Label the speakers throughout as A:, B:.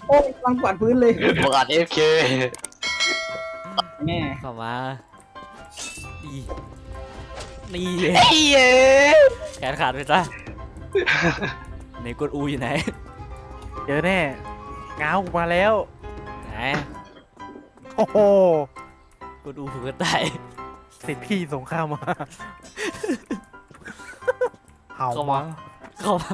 A: โอ้ยวางกวาดพื้นเลย
B: บอกอ่าน AFK
A: แม่
C: เข้ามานี่นี่
B: เฮ้ย
C: แขนขาดไปจ้ะไหนกดอูอยู่ไหน
D: เจอแน่เงามาแล้ว
C: ไหน
D: โอ้โห
C: กดอูผูกกระต่าย
D: สิทธิ์พี่ส่งข้าวมาเห่า
C: เข้า
D: มา
C: มาเข้ามา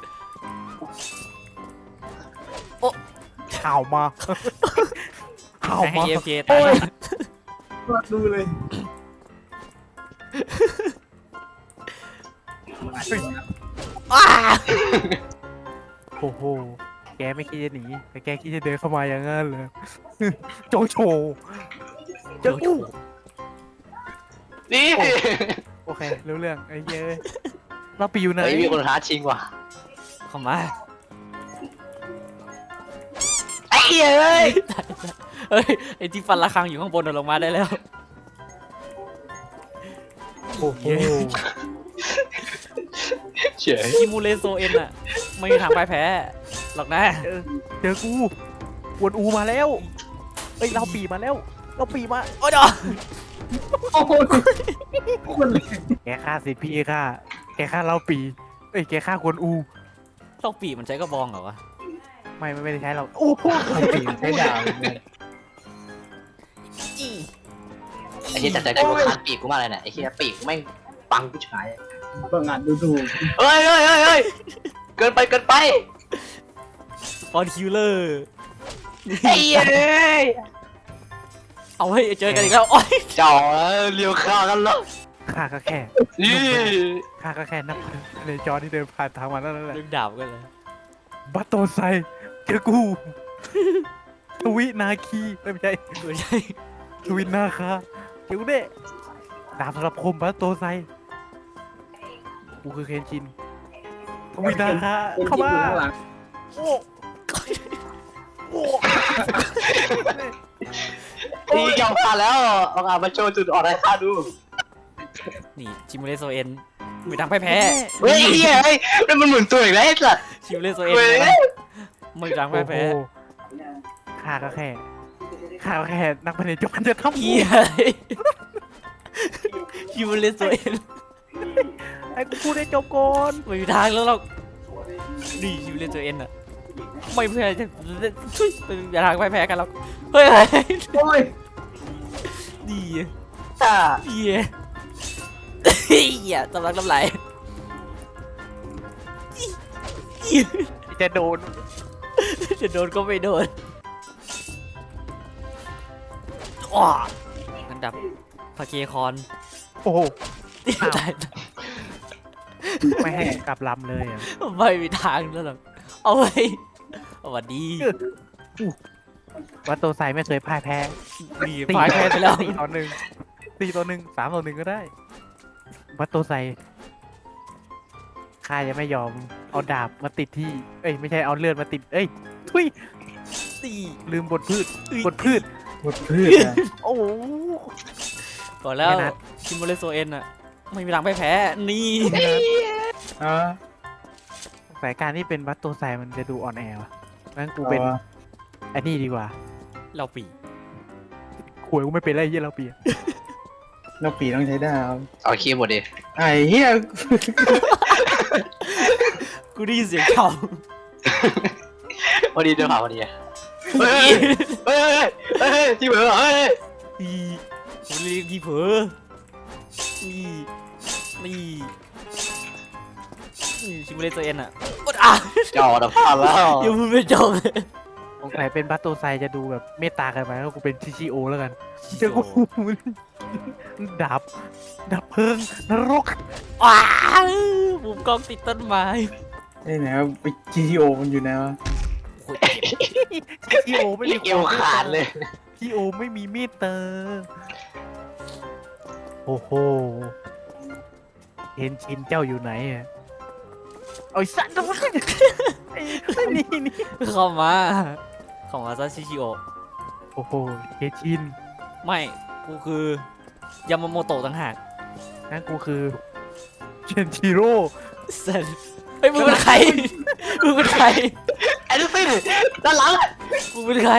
D: เห่ามาเห่า
C: ให้
D: มา
C: เอฟเคตาย
A: กวาดดูเลย
C: อ้า
D: โอ้โหแกไม่คิดจะหนีแต่แกคิดจะเดินเข้ามาอย่างนั้นเลยโจโฉเจอกู
B: นี่
D: โอเครู้เรื่องไอ้เย้ยเราไปอยู่ไหน
B: เฮ้ยมีคนท้าชิงว่ะ
C: เข้ามา
B: ไอ้เหี้ยเอ้ย
C: เฮ้ยไอที่ฟันระฆังอยู่ข้างบนลงมาได้แล้ว
D: โอ้โห
B: เฉย
C: คิมูเลโซเอ็นอะไม่มีทางพ่ายแพ้หรอกนะ
D: เจอกูกวนอูมาแล้วเอ้ยเราปีมาแล้วเราปีมา
C: โอ้ยเดี๋ยว
A: โอ้โหคนเลย
D: แกฆ่าสิทธิ์พี่ฆ่าแกฆ่าเราปีเอ้ยแกฆ่ากวนอู
C: ต้องปีกมันใช้กระบองเหรอวะ
D: ไม่ได้ใช้เราโอ้โห
A: ปีนใช้ดาวเนี่ย
B: ไอ้เหี้ยแต่ใจกูขาดปีกกูมากเลยเนี่ยไอ้เหี้ยปีกกูแม่งปังผู้ชาย
A: เบิ่งอ่านดูถูก
B: เฮ้ยเกินไป
C: ฟอนคิวเลอร์
B: ไอ้เหี้ยเอ้ย
C: เอาเฮ้ยเจอกันอีกแล้วโอ้ย
B: เจ้าเลี้ยวข้าวกันเหรอ
D: ฆ่าก็แค่
B: นี่
D: ข้าก็แค่นับในจอที่เดินผ่านทางมานั่นแหละ
C: ดึงดาบกันเลย
D: บัตโตไซเจอกูทวินาคีไม่ใช่
C: ไม่ใช่
D: ทวินาคาเจอกูเด้ดาบสำหรับคมบัตโตไซกูคือเคนชินทวินาคา
A: เป็น
D: เข้า
A: ที่
D: มา
A: อยู่ข้างหลัง
D: โอ้โอ้
B: นี่ยอมผ่านแล้วเอามาโชว์จุดอ่อนให้ข้าดู
C: นี่ชิมูเลโซเอ็นไม่ทางพ่ายแพ้
B: เฮ้ยเฮ้ยเฮ้ยมันหมุนตัวอีกแล้วไอ้สัส
C: ชิมูเลโซเอ็น
B: เว้ย
C: ไม่ทางพ่ายแพ้
D: โอ้โหข้าก็แค่นักพนันจรจะทำ
C: เฮียชิมูเลโซเอ็น
D: ไอ้กูพูดได้จบก่อน
C: ไม่มีทางแล้วหรอกนี่ชิมูเลโซเอ็นอะไม่แพ้จะทุยไม่มีทางพ่ายแพ้กันหรอกเฮ้ย
A: โอ้ย
C: ดี
B: อ่า
C: เฮียเฮียสำลักน้ำไหล
D: จะโดน
C: จะโดนก็ไม่โดนอ้ออันดับพาเคคอน
D: โอ้โห
C: ตาย
D: ไม่ให้กลับลำเลยอ่ะ
C: ไม่มีทางแล้วหรอกเอาไว้สวัสดี
D: วัตโตไซไม่เคยพ่ายแพ้
C: ดีพ่ายแพ้ไปแล้ว
D: 4-1 3-1ก็ได้วัตโตไซข้าจะไม่ยอมเอาดาบมาติดที่เอ้ยไม่ใช่เอาเลือดมาติดเอ้ยทุย
C: สี่
D: ลืมบทพืชบทพืช
A: หมดพืชนะ
D: โอ้โห
C: บอกแล้ว
D: ไม่นัด
C: คิมโมเลโซเอ็นอะไม่มีทางพ่ายแพ้นี่
A: อ่า
D: สายการที่เป็นวัตโตไซมันจะดูอ่อนแอวะงั้นกูเป็นไอ้นี่ดีกว่า
C: เราปี
D: ขวยกูไม่เป็นไรเยี่ยเราเปีย
A: เราปีต้องใช้ดาว
B: เอาคีย์บอร์ดดิ
A: ไอ้เหี้ย
C: กูได้ยินเสียงเขา
B: พอดีเดี๋ยวผ่าพอดีเฮ้ยที่เหมือนเฮ้ย
C: อีผมเรียกพี่เผลอนี่นี่คิมโมเลโซเอ็นอะอดอ่ะ
B: เจ้าเดี๋ยวผ่านแล้ว
C: ยังพูดไม่จบเลย
D: สงสัยเป็นวัตโตไซจะดูแบบเมตตากันไปแล้วกูเป็นชิชิโอแล้วกันเจอกู ดับเพลิงนรก
C: ว้าวมุมกล้องติดต้นไม้
A: ไอ้ไหนวะไป GTO มันอยู่ไหนวะ
C: โอ้ยเจ็บ
D: ชิโอไม่มี
B: เอวขาดเลย
D: ชิโอไม่มีเมตตาโอ้โหเห็นชินเจ้าอยู่ไหนอ่ะเอาไอ้สัตว์ตัวนี้ไอ้นี่
C: เข้ามาซาชิชิโอ
D: โอ้โหเฮชิน
C: ไม่กูคือยามาโมโตะต่างหาก
D: นั่นกูคือเชนชิโร่
C: เซนเฮ้ยมึงเป็นใครมึงเป็นใคร
B: อ้ดูสิด้านหลัง
C: กูเป็นใคร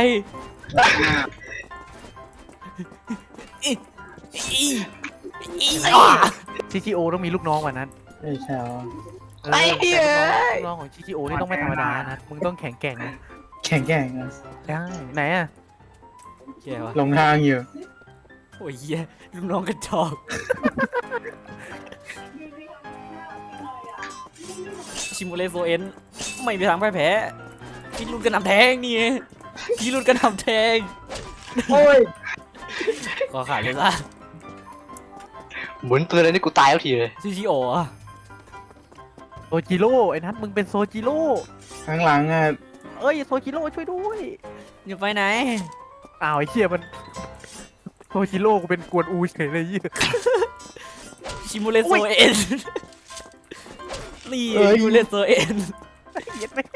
C: อีอีอีอ่ะ
D: ชิชิโอต้องมีลูกน้องกว่านั้น
A: ไอ้เช้า
D: แต่ลูกน้องของชิชิโอนี่ต้องไม่ธรรมดานะมึงต้องแข็งแกร่งนะ
A: แข่งแข่งอะ
D: ได้ไหนอะ
C: เหี้ยวะ
A: หลงทางอยู่
C: โอ้ยเหี้ยลูกน้องกระจอกชิมูเลโซเอ็นไม่มีทางพ่ายแพ้พี่รุ่นกระหน่ำแทงนี่พี่รุ่นกระหน่ำแทง
A: โอ้ย
C: ก็ขาดเลยละ
B: หมุนปืนเลยนี่กูตายแล้วทีเลย
C: ชิโออะ
D: โซจิโร่ไอ้นัทมึงเป็นโซจิโร่
A: ข้างหลังอะ
D: เอ้ยโซจิโร่ช่วยด้วย
C: อยู่ไปไหน
D: อ้าวไอ้เชี่ยมันโซจิโร่กูเป็นกวนอูเฉยเลยยี่
C: ชิมูเลโซเอ็นนี่ชิมูเลโซเอ็น
D: เย็ดแม่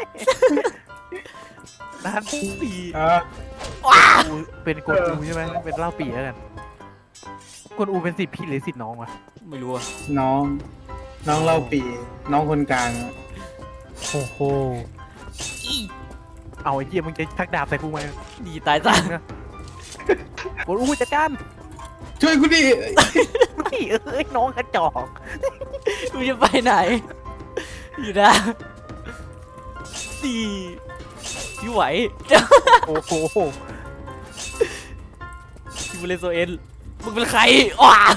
D: นัท
C: นี่
A: อ่ะ
D: กูเป็นกวนอูใช่ไหมเป็นเล่าปี่แล้วกันกวนอูเป็นสิทธิ์พี่หรือสิทธิ์น้องวะ
C: ไม่รู้อะ
A: น้องเล่าปีน้องคนกลางอะ
D: โอ้โห
C: อี
D: เอาไอ้เหี้ยมึงจะชักดาบใส่กูไหม
C: ดีตายซะ
D: กวนอูจัดการ
A: ช่วยกูดิ
D: พี่เอ้ยน้องกระจอก
C: กูจะไปไหน อยู่นะดีพี่ไหว
D: โอ้โห
C: ชิมูเลโซเอ็นมึงเป็นใครว้า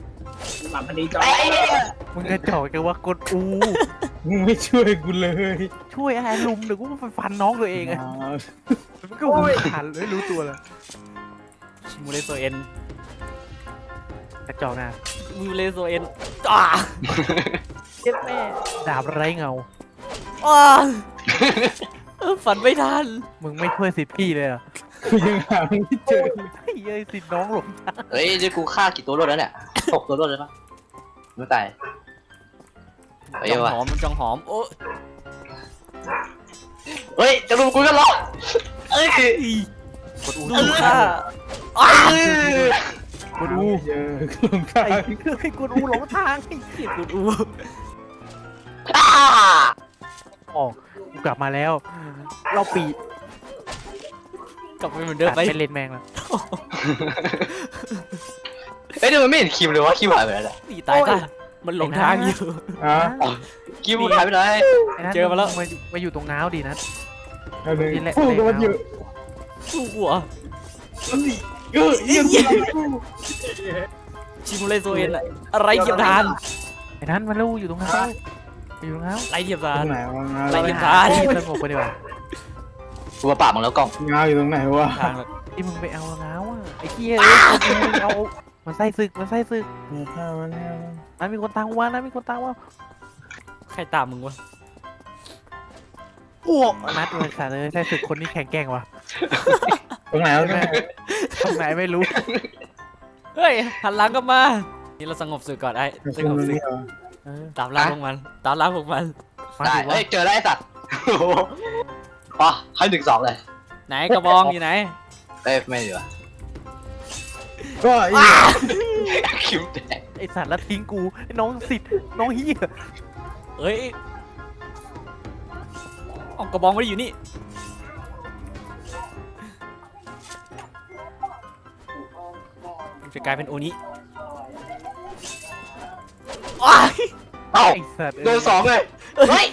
D: มึงกระจอกกันว่ากวนอู
A: มึงไม่ช่วยกูเลย
D: ช่วยอะไรลุมเดี๋ยวกูไปฟันน้องตัวเองอะ
A: อ้าว
D: มันก็หูขาดเลยรู้ตัวเลย
C: ชิมูเลโซเอ็น
D: กระจอกนะ
C: ชิมูเลโซเอ็นอ้า
D: เจ็ดแม่ดาบไร้เงา
C: อ้าฝันไม่ทัน
D: มึงไม่ช่วยสิทธิ์พี่เลยเหรอ
A: กูยังหาไม่เจอ
D: เฮ้ยเอ้ยสิทธิ์น้องหลงทาง
B: เฮ้ยเดี๋ยวกูฆ่ากี่ตัวรวดแล้วเนี่ย6 ตัวรวดเลยปะไม่ตายเฮ้ย
C: จัง
B: ว่ะ
C: หอมมันจังหอมโอ้
B: เฮ้ยจะรุมกูกันเหรอเอ้ย
D: กดอู
C: ดูค่ะอ้า
D: กดอู
A: ไม่เจอกูหลงทา
D: ไอ้
A: ง
D: ไอ้กดอูหลงทางไอ้เหี้ย
C: กูดู
B: อ้า
D: ออกกูกลับมาแล้ว เราปี
C: กลับไปเหมือนเดิม
D: ตัด
C: ไป
D: ไปเลนแมงแล้ว
B: เฮ้ยเดี๋ยวมันไม่เห็นคิมเลยวะคิมหายไปไหนแล้ว
C: นี่ตายจ้ะมันหลงทางอยู่
A: อ่ะ
B: คิมหายไปไหน
D: ไอ้นัท
C: เจอมาแล้ว
D: มาอยู่ตรงน้าวดีนะ
A: เอาเลย
D: นี่แหละ
A: พูดกับมันอยู่
C: สู้หัว
A: เยี่ยมกู
C: ชิมูเลโซเอ็นอะอะไรเทียมทาน
D: ไอ้นั้นมาลูอยู่ตรงน้าวอยู่ตรงน้าว
C: ไรเทียม
A: ต
C: ทา
A: ร
C: น
A: งไหนวะงา
C: อะไร
A: ว
C: เทียม
D: หา
C: ทาน
D: ที่สงบไปดีกว่า
B: กูมาปราบมึงแล้วกล้อง
A: งาวอยู่ตรงไหนวะ
C: ทางแล้ว
D: ที่มึงไปเอาน้าวอ่ะไอ้เหี้ยเอ้ยมึงเอามันไส้ศึกมันไส้ศึก
A: เนี่ยข้าวมันเนี่ย
D: นั้นมีคนตามว่านะมีคนตามว่า
C: ใครตามมึงวะ
D: อ้วกนัดเลยค่ะเลยไส้ศึกคนนี้แข็งแกร่งว่ะ
A: ตรงไหนวะเนี่ย
D: ตรงไหนไม่รู้
C: เฮ้ยหันหลังกลับมานี่เราสงบศึกก่อนไอ้สงบศึก
D: เออ
C: ตามล่าพวกมันตามล่าพวกมัน
D: มา
B: ได้
D: ถึงว่า
B: เฮ้ยเจอแล้วไอ้สัตว์โอ้โหปะให้1-2เลย
C: ไหนกระบองอยู่ไหน
B: เอ้ยไม่ดีวะ
A: ก็อี
B: คิมแดง
D: ไอสัตว์แล้วทิ้งกูไอ้น้องสิทธิ์น้องเฮีย
C: เอ้ยเอากระบองไม่ได้อยู่นี่จะกลายเป็นโอนี้ว้าย
B: เอ้า
D: ไอสัตว์
B: โดน2เลยเฮ้ย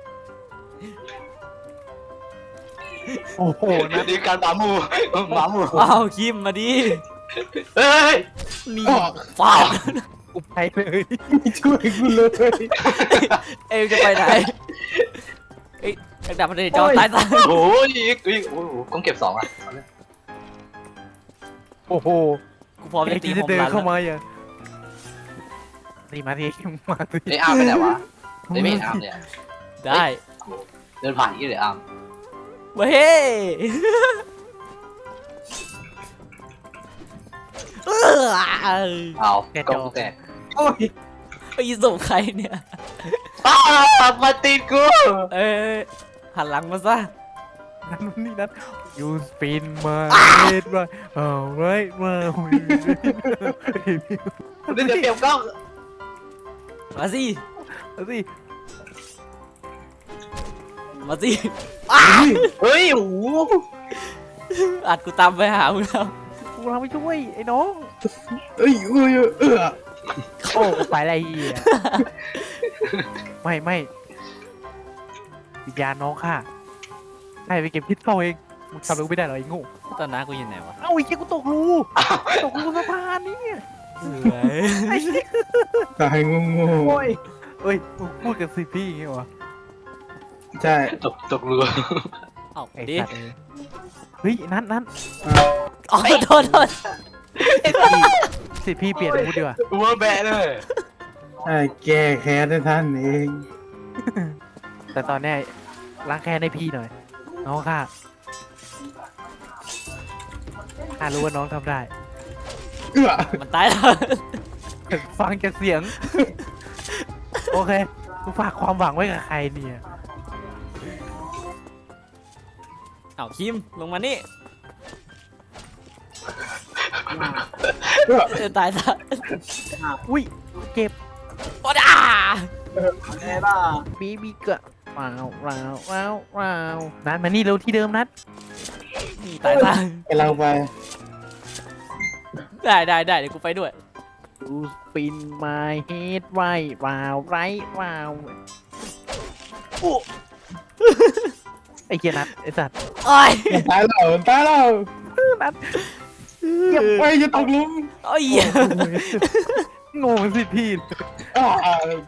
D: โอ้โหนะ
B: นี่การหมาหมูหมาหมู
C: ว้าวคิมมาดิ
B: เฮ้ย
C: นี่
A: ออก
C: ฟ้า
D: กูไปเลย
A: ไม่ช่วยกูเลย
C: เอ็งจะไปไหนเอ้ยดักดับมันเลยจอตายซะ
B: โอ้ยโอ้โหต้องเก็บ2อ่ะ
D: โอ้โห
C: กูพร้อม
D: ไอ้
C: จะตี
D: ที่
C: โฮ
D: จะ
C: ม
D: เดิน
C: รัน
D: เข้า
C: แล้ว
D: มาอย่างนี่มาทีมาที
B: ไอ้อาร์มไปไหนวะไอ้ไม่เห็นอาร์มเนี่ย
C: ได้
B: เดินผ่านยี่เลยอาร์ม
C: เว้ยเออ
B: เอากล้องกูแตก
A: โอ้ย
C: ไปส่งใครเนี่ย
B: อ้าวมาตีกู
C: เอ้ยหันหลังมาซะ
D: นั่นนี่นั่น you spin my head right alright มา
B: เดี๋ยวเก็บกล้อง
C: มาสิ
D: เอาสิ
C: มาสิ
B: เฮ้ยโอ้โห
C: อัดกูตามไปหามึงแล้ว
D: กูเราไม่ช่วยไอ้น้อง
A: เอ้ยเอ้ยเออ
D: โอ้กูไปอะไรเหี้ยไม่วิญญาณน้องค่ะให้ไปเก็บพิษเข้าเองมึงทำอะไรกูไม่ได้หรอไอ้โง่
C: ตอนนั้นกูอยู่ไหนวะ
D: เอ้าไอ้เหี้ยกูตกรูสะพานนี่ไอ้เหี้ย
A: ตายงง
D: โอ้ยเอ้ยมึงพูดกับสิพี่อย่างงี้วะ
A: ๆใช่
B: ตกเรือ
C: เอา
D: ไอ้
C: ดิ
D: สัตว์เอ้ยเฮ้ยนั้น
C: อ๋อโทษ
D: สิพี่เปลี่ยนอาวุธดีกว่า
B: วัวแบะเลย
A: แก้แค้นให้ท่านเอง
D: แต่ตอนเนี้ยล้างแค้นให้พี่หน่อยน้องค่ะข้ารู้ว่าน้องทำได้
A: เอื้อ
C: มันตายแล้ว
D: ฟังจากเสียง โอเคกูฝากความหวังไว้กับใครเนี่ย
C: เอาคิมลงมานี่
A: เอื้อ
C: ตายซะ
D: อุ้ยเก็บ
C: โอ้ดา
B: แน่ล่ะ
D: บีเกะว้าวนัดมานี่เร็วที่เดิมนัด
C: นี่ตายซะ
A: ไปเราไป
C: ได้เดี๋ยวกูไปด้วย
D: ดูสปินมาเฮดไว้ว้าวไรว้าวโอ้ไอ้เกียนัดไอ้สัตว์
C: โอ้ย
A: ตายเราตายเรา
D: นัด
A: เก็บไว้จะตกหลุม
C: โอ้ย
D: งงสิพี่
A: อ่า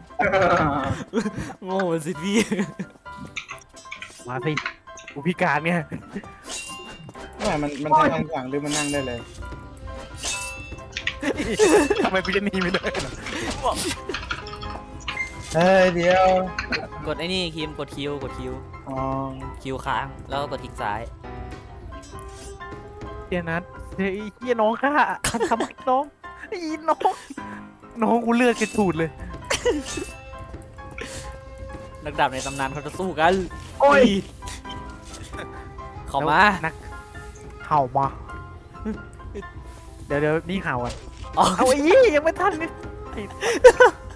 C: โง่สิพี่
D: มาสิกูพิการเนี่ย
A: ไม่มันใช้คำสั่งหรือมันนั่งได้เลย
D: ทำไมกูจะหนีไม่ได้ล่ะ
A: เฮ้ยเดี๋ยว
C: กดไอ้นี่คิมกดคิว
A: อ๋อ
C: คิวค้างแล้วก็กดคลิกซ้าย
D: เกียนัดเฮ้ยเกียน้องค่ะทำไมน้องไอ้น้องกูเลือดกระฉูดเลย
C: นักดาบในตำนานเขาจะสู้กัน
B: โอ้ย
C: เข้ามา
D: นักเห่ามา เดี๋ยวนี่เห่าอ่ะ
C: อ๋อ
D: เอาไอ้ยี่ยังไม่ทันนี่ไอ้